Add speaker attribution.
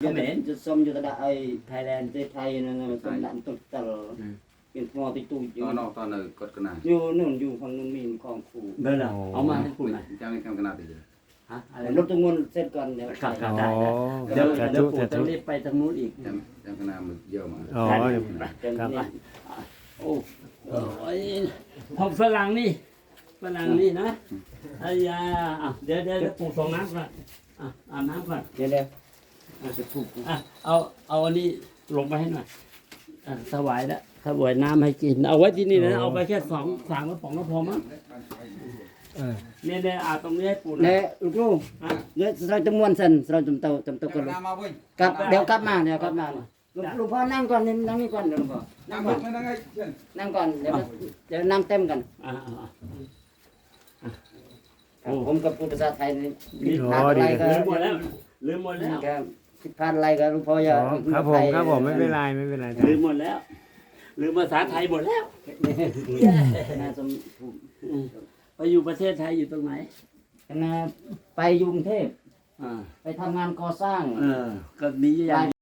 Speaker 1: ขมร
Speaker 2: จะส้มอยู่ตะไอไทยแลนด์ไทยนั่นน่ะต้นดันต้นตลเป็นมอติตูอยู่
Speaker 3: ตอนกดกันนะ
Speaker 2: อยู่นู่นอยู่ฝั่งนู้นมีของครู
Speaker 1: เบอร์เหรอเอามาให้คุณหน่อย
Speaker 3: จังกันกันนะตีเลย
Speaker 1: ฮะอะไร
Speaker 2: รถตรงนู้นเสร็จก่อนเดี๋ยว
Speaker 1: ครับ
Speaker 2: ไป
Speaker 1: ได้เดี๋ยวปู่จะรีบไปทางนู้นอีก
Speaker 3: จังกันนะมันเยอะมา
Speaker 4: อ๋อ
Speaker 2: เดี๋ยว
Speaker 4: ครับ
Speaker 2: นี่
Speaker 1: โอ้ห้องฝรั่งนี่นะไอ้ยาเดี๋ยวปู่ส่งน้ำก่อนอาบน้ำก่อน
Speaker 2: เดี๋ยวจะถูก
Speaker 1: เอาอันนี้ลงไปให้หน่อยถวายแล้วถวายน้ำให้กินเอาไว้ที่นี่นะเอาไปแค่3 กระป๋องก็พอมั้งเนี่ยอาตรงนี้ให้ปู่
Speaker 2: เนี่ยลูกลูกเดี๋ยวเราจะม้วนเส้นเราจำเตากันลูกกลับเดี๋ยวกลับมาลูกพ่อนั่งก่อนนั่งนี่ก่อนเดี๋ยวลูกพ่อนั่งก่อนนั่งก่อนเดี๋ยวนั่งเต็มกันผมกับพูดภาษาไทยนี่มีพลาดอะไรก็
Speaker 1: ลืมหมดแล้ว
Speaker 2: ผิดพลาดอะไรก็ลูกพ่ออย่า
Speaker 4: ครับผมไม่เป็นไร
Speaker 1: ลืมหมดแล้วลืมภาษาไทยหมดแล้ว
Speaker 2: น่าสม
Speaker 1: ไปอยู่ประเทศไทยอยู่ตรงไหน
Speaker 2: นะไปกรุงเทพไปทำงานก่อสร้าง
Speaker 1: ก็มีอย่าง